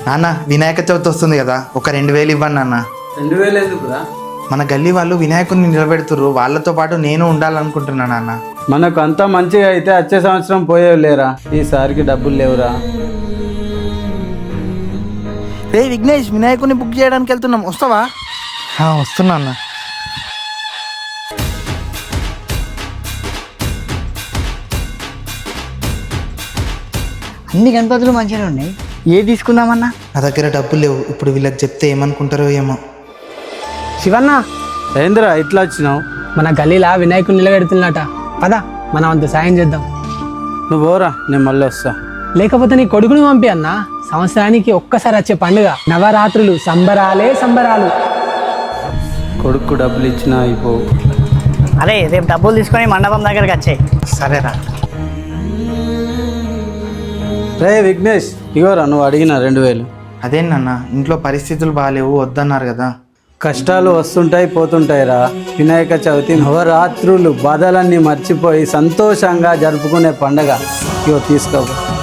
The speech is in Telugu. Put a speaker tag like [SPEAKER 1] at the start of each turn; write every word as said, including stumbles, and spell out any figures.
[SPEAKER 1] నాన్న వినాయక చవితి వస్తుంది కదా, ఒక రెండు వేలు ఇవ్వండి నాన్న.
[SPEAKER 2] రెండు వేలు ఎందుకురా?
[SPEAKER 1] మన గల్లీ వాళ్ళు వినాయకుడిని నిలబెడుతుర్రు, వాళ్ళతో పాటు నేను ఉండాలనుకుంటున్నా నాన్న.
[SPEAKER 2] మనకు అంతా మంచిగా అయితే వచ్చే సంవత్సరం పోయేవి లేరా, ఈసారికి డబ్బులు లేవురా.
[SPEAKER 3] రే విఘ్నేష్, వినాయకుడిని బుక్ చేయడానికి వెళ్తున్నాం, వస్తావా?
[SPEAKER 1] వస్తున్నా అన్న.
[SPEAKER 3] అన్ని గణపతులు మంచిగానే ఉన్నాయి, ఏ తీసుకుందామన్నా?
[SPEAKER 1] నా దగ్గర డబ్బులు లేవు, ఇప్పుడు వీళ్ళకి చెప్తే ఏమనుకుంటారో ఏమో.
[SPEAKER 4] శివన్న,
[SPEAKER 2] ఏందిరా ఇట్లా వచ్చినావు?
[SPEAKER 4] మన గల్లీలా వినాయకుడు నిలబెడుతున్నట, పద మనం అంత సాయం చేద్దాం.
[SPEAKER 2] నువ్వు పోరా, నేను మళ్ళీ వస్తా.
[SPEAKER 4] లేకపోతే నీ కొడుకుని పంపి అన్న, సంవత్సరానికి ఒక్కసారి వచ్చే పండుగ, నవరాత్రులు సంబరాలే సంబరాలు.
[SPEAKER 2] కొడుకు డబ్బులు ఇచ్చినా అయిపోవు.
[SPEAKER 3] అరే రేపు డబ్బులు తీసుకొని మండపం దగ్గరకు వచ్చాయి.
[SPEAKER 1] సరేరా.
[SPEAKER 2] రే విఘ్నేష్, ఇగోరా నువ్వు అడిగిన రెండు వేలు.
[SPEAKER 1] అదేనన్న, ఇంట్లో పరిస్థితులు బాగాలేవు, వద్దన్నారు కదా.
[SPEAKER 2] కష్టాలు వస్తుంటాయి పోతుంటాయిరా. వినాయక చవితి నవరాత్రులు బాధలన్నీ మర్చిపోయి సంతోషంగా జరుపుకునే పండగ. ఇగో తీసుకో.